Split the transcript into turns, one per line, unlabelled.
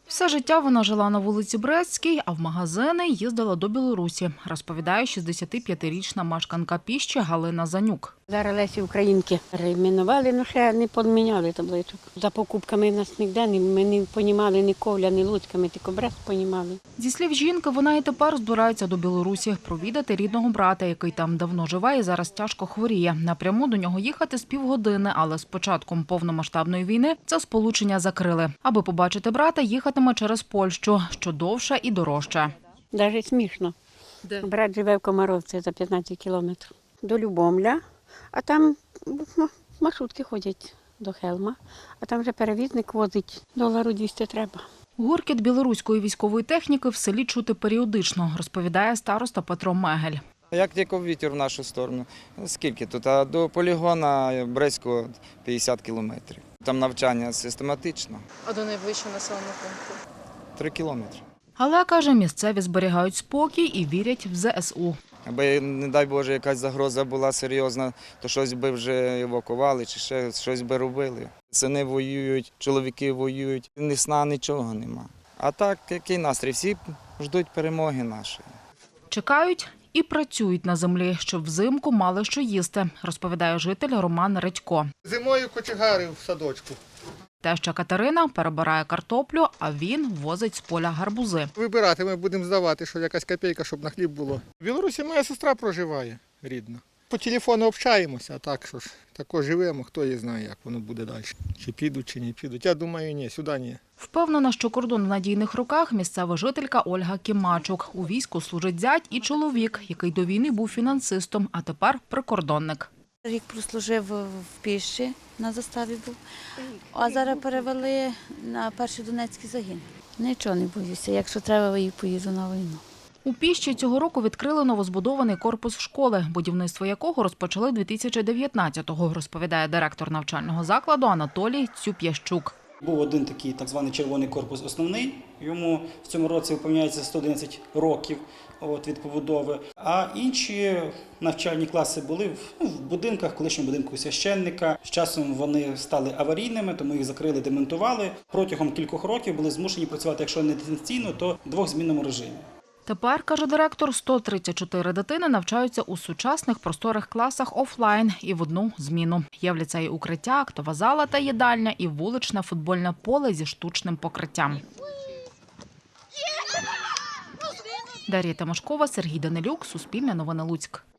Все життя вона жила на вулиці Брестській, а в магазини їздила до Білорусі, розповідає 65-річна мешканка Піщі Галина Занюк.
Зараз Лесі Українки перейменували, але ще не поміняли табличок. За покупками в нас ніде, ми не понімали ні Ковля, ні Луцька, ми тільки Брест понімали.
Зі слів жінки, вона і тепер збирається до Білорусі провідати рідного брата, який там давно живе і зараз тяжко хворіє. Напряму до нього їхати з півгодини, але з початком повномасштабної війни це сполучення закрили. Аби побачити брата, їхатиме через Польщу, що довше і дорожче.
Навіть смішно.
Де?
Брат живе в Комаровці за 15 кілометрів. До Любомля, а там маршрутки ходять до Хелма, а там вже перевізник возить, $200 треба.
Гуркіт білоруської військової техніки в селі чути періодично, розповідає староста Петро Мегель.
Як тільки вітер в нашу сторону. Скільки тут? А до полігона Брестського 50 кілометрів. Там навчання систематично.
А до найближчого населеного пункту?
3 кілометри.
Але, каже, місцеві зберігають спокій і вірять в ЗСУ.
Аби, не дай Боже, якась загроза була серйозна, то щось би вже евакували чи ще щось би робили. Сини воюють, чоловіки воюють, ні сна, нічого нема. А так, який настрій? Всі ждуть перемоги нашої.
Чекають і працюють на землі, щоб взимку мали що їсти, розповідає житель Роман Редько.
Зимою кочегари в садочку.
Теща Катерина перебирає картоплю, а він возить з поля гарбузи.
Вибирати ми будемо здавати, що якась копійка, щоб на хліб було. В Білорусі моя сестра проживає рідна. По телефону общаємося, а так що ж, тако живемо, хто її знає, як воно буде далі. Чи підуть, чи не підуть. Я думаю, ні, сюди ні.
Впевнена, що кордон в надійних руках місцева жителька Ольга Кімачук. У війську служить зять і чоловік, який до війни був фінансистом, а тепер прикордонник.
Рік прослужив в Піщі, на заставі був, а зараз перевели на перший Донецький загін. Nічого не боюся, якщо треба, я поїду на війну.
У Піщі цього року відкрили новозбудований корпус школи, будівництво якого розпочали 2019-го, розповідає директор навчального закладу Анатолій Цюп'ящук.
Був один такий так званий червоний корпус основний, йому в цьому році виповняється 111 років від побудови, а інші навчальні класи були в будинках, колишньому будинку священника. З часом вони стали аварійними, тому їх закрили, демонтували. Протягом кількох років були змушені працювати, якщо не дистанційно, то в двохзмінному режимі.
Тепер, каже директор, 134 дитини навчаються у сучасних просторих класах офлайн і в одну зміну. Є в ліцеї укриття, актова зала та їдальня і вуличне футбольне поле зі штучним покриттям. Дар'я Тимошкова, Сергій Данилюк, Суспільне новини Луцьк.